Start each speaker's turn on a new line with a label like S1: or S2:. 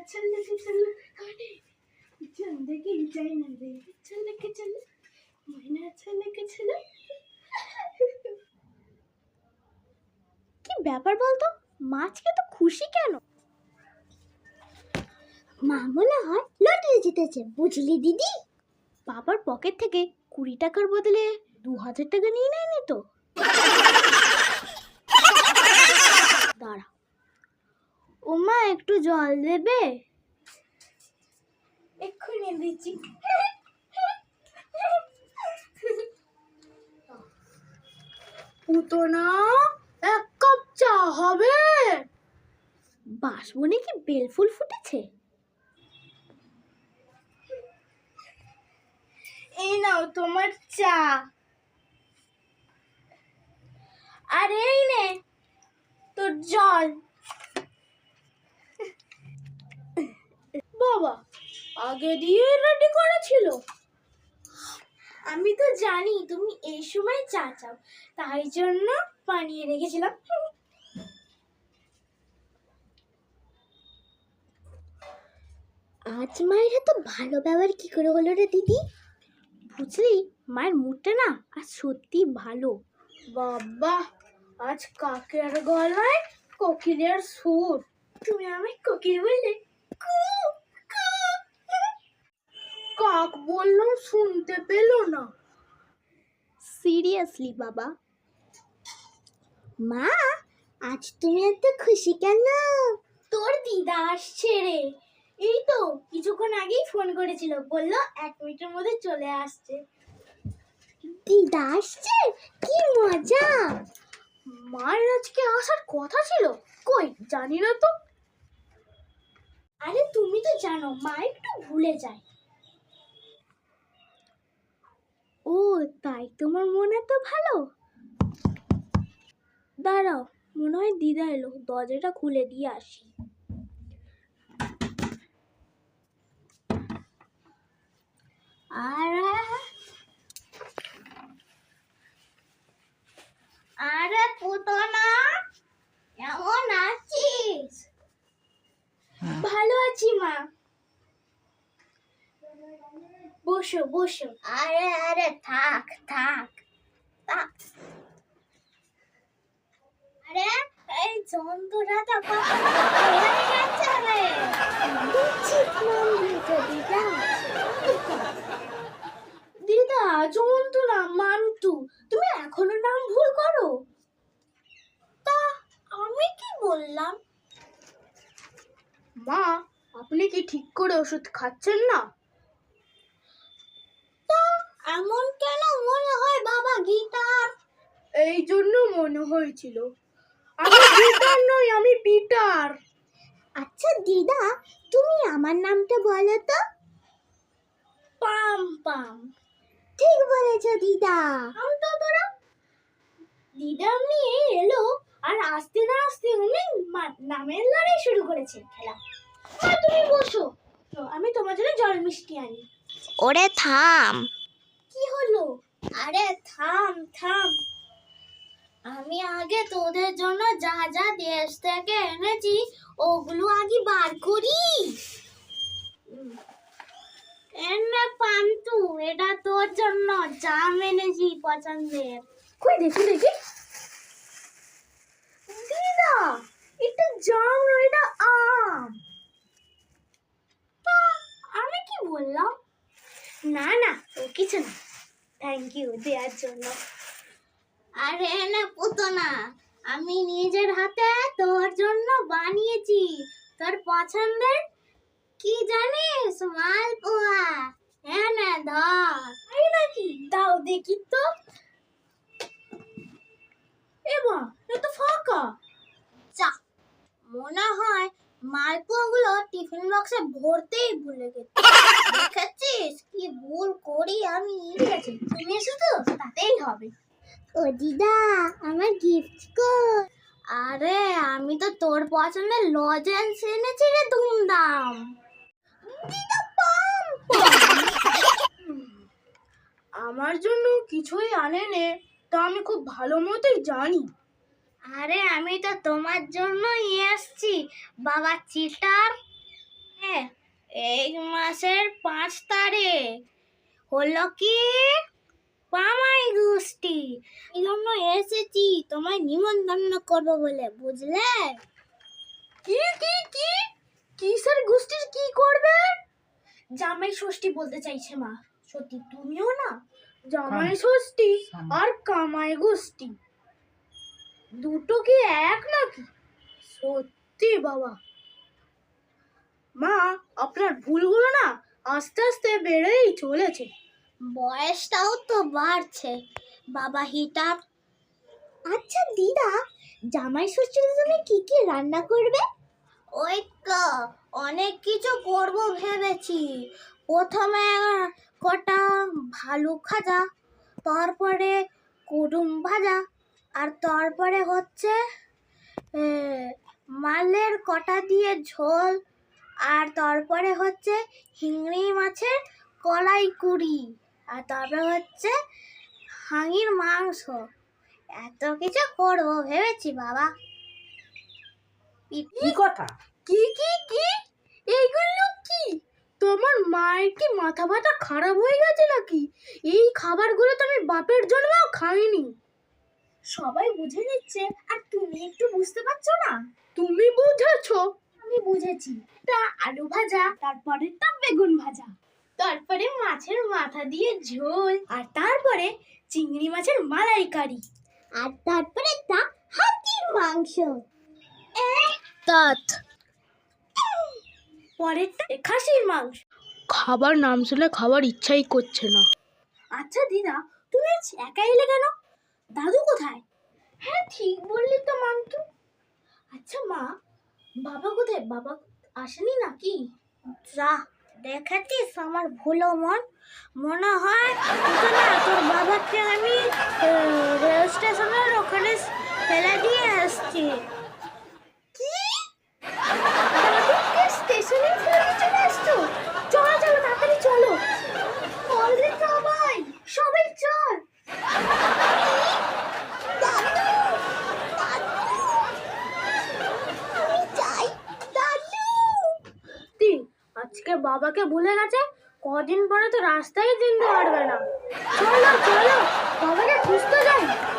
S1: चल लेके चल गाड़ी जिंदगी जाना रे चल लेके चल महीना चल लेके चल কি ব্যাপার বলতো মাছকে তো খুশি কেন মা মনে হয় লটারি জিতেছে বুঝলি দিদি বাবার পকেট থেকে 20 টাকার বদলে 2000 টাকা নিয়ে নেয়নি তো দাঁড়া ও মা একটু জল দেবে এক্ষুনি দিচ্ছি পুতনা এক কাপ চা হবে বাসবনে কি বেলফুল ফুটেছে এই নাও তোমার চা আর এই নে তোর জল বাবা আগে দিয়ে রেডি করা ছিল আমি তো জানি তুমি এই সময় চা চাও তাই জন্য বানিয়ে রেখেছিলাম আজ মায়ের এত ভালো ব্যবহার কি করে হলো রে দিদি বুঝলি মায়ের মুডটা না আজ সত্যি ভালো বাবা আজ কাকের গলায় কোকিলের সুর তুমি আমায় কোকিল বললে কাক বললাম শুনতে পেলো না সিরিয়াসলি বাবা মা আজ তুমি এত খুশি কেন তোর দিদা আসছে রে এই তো কিছুক্ষণ আগেই ফোন করেছিল বললো 1 মিনিটের মধ্যে চলে আসছে দিদা আসছে কি মজা মায়ের আজকে আসার কথা ছিল কই জানি না তো আরে তুমি তো জানো মা একটু ভুলে যায় ও তাই তোমার মন এত ভালো দাঁড়াও মনে হয় দিদা এলো দরজাটা খুলে দিয়ে আসি আরে পুতনা কেমন আছিস ভালো আছি মা বসো বসো আরে আরে থাক থাক থাক আরে এই জন্তুটা তো দিদা জন্তু না মান্তু তুমি এখনো নাম ভুল করো তা আমি কি বললাম মা আপনি কি ঠিক করে ওষুধ খাচ্ছেন না এমন কেন মনে হয় বাবা গিটার এই জন্য মনে হয়েছিল আমি গিটার নই আমি পিটার আচ্ছা দিদা তুমি আমার নামটা বলো তো পাম পাম ঠিক বলেছো দিদা আমি তো তোরা দিদা নিয়ে এলো আর আস্তে না আস্তে উনি নামের লড়াই শুরু করেছে খেলা তুমি বসো আমি তোমার জন্য জল মিষ্টি আনি ওরে থাম কি হলো আরে থাম থাম আমি আগে তোদের জন্য যা যা দেশ থেকে এনেছি ওগুলো আগে বার করি এনে পান্তু এটা তোর জন্য জাম এনেছি পছন্দের কই দেখি দেখি দিদা এটা জাম না এটা আম আমি কি বললাম না না ও কিছু না থ্যাংক ইউ দেওয়ার জন্য আরে না পুতনা আমি নিজের হাতে তোর জন্য বানিয়েছি তোর পছন্দের কি জানিস মালপোয়া হ্যাঁ না ধর এই নাকি দাও দেখি তো এবা এটা ফাঁকা চা মনে হয় মালপোয়াগুলো টিফিন বক্সে ভরতেই ভুলে গেছি দেখেছিস কি ভুল করি আমি ঠিক আছে তুমি এসো তো তাতেই হবে ও দিদা আমার গিফট কর আরে আমি তো তোর পছন্দের লজেন্স এনেছি রে ধুমধাম দিদা পাম আমার জন্য কিছুই আনেনে তা আমি খুব ভালো মতোই জানি আরে আমি তো তোমার জন্যই এসেছি বাবা চিটার এই মাসের 5 তারিখ হলো কি পামাই গোষ্ঠী, এই জন্য এসেছি তোমায় নিমন্ত্রণ করবো বলে, বুঝলে? কি কি কি কিসের গোষ্ঠীর কি করবে? জামাই ষষ্ঠী বলতে চাইছে মা। সত্যি তুমিও না জামাই ষষ্ঠী আর কামাই গোষ্ঠী দুটো কি এক নাকি? সত্যি বাবা, মা আপনার ভুলগুলো না আস্তে আস্তে বেড়েই চলেছে। বয়সটাও তো বাড়ছে বাবা হিটার। আচ্ছা দিদা, জামাই ষষ্ঠীতে তুমি কি কি রান্না করবে? ওই তো অনেক কিছু করব ভেবেছি। প্রথমে কটা ভালু ভাজা, তারপরে কুটুম ভাজা, আর তারপরে হচ্ছে মালের কটা দিয়ে ঝোল, আর তারপরে হচ্ছে চিংড়ি মাছের কলাই কুড়ি, আর তারপরে হচ্ছে হাঁড়ির মাংস। এত কিছু করবো ভেবেছি বাবা। কি কথা? কি কি কি এইগুলো কি? তোমার মায়ের কি মাথা ব্যথা খারাপ হয়ে গেছে নাকি? এই খাবারগুলো তো আমি বাপের জন্যও খাইনি। সবাই বুঝে নিচ্ছে আর তুমি একটু বুঝতে পারছো না? তুমি বুঝেছো? আমি বুঝেছি। তা আলু ভাজা, তারপরেটা বেগুন ভাজা, তারপরে মাছের মাথা দিয়ে ঝোল, আর তারপরে চিংড়ি মাছের মালাইকারি, আর তারপরে তা হাতির মাংস, পরেরটা খাসির মাংস। খাবার নাম শুনে খাবার ইচ্ছাই করছে না। আচ্ছা দিদা, তুমি আজ একা এলে কেন? দাদু কোথায়? হ্যাঁ ঠিক বললি তো মান্তু। আচ্ছা মা, বাবা কোথায়? বাবা আসেনি নাকি? যা দেখেছিস আমার ভুলো মনে হয় তোর বাবাকে আমি রেল স্টেশনের ওখানে ফেলে দিয়ে আসছি। কি? দাদুকে স্টেশনে ফেলে চলে আসছো? চলো চলো তাড়াতাড়ি চলো। বলরে সবাই সবাই চল। আজকে বাবাকে ভুলে গেছে, কদিন পরে তো রাস্তায় চিনতে পারবে না। চলো চলো বাবাকে খুঁজতে যাই।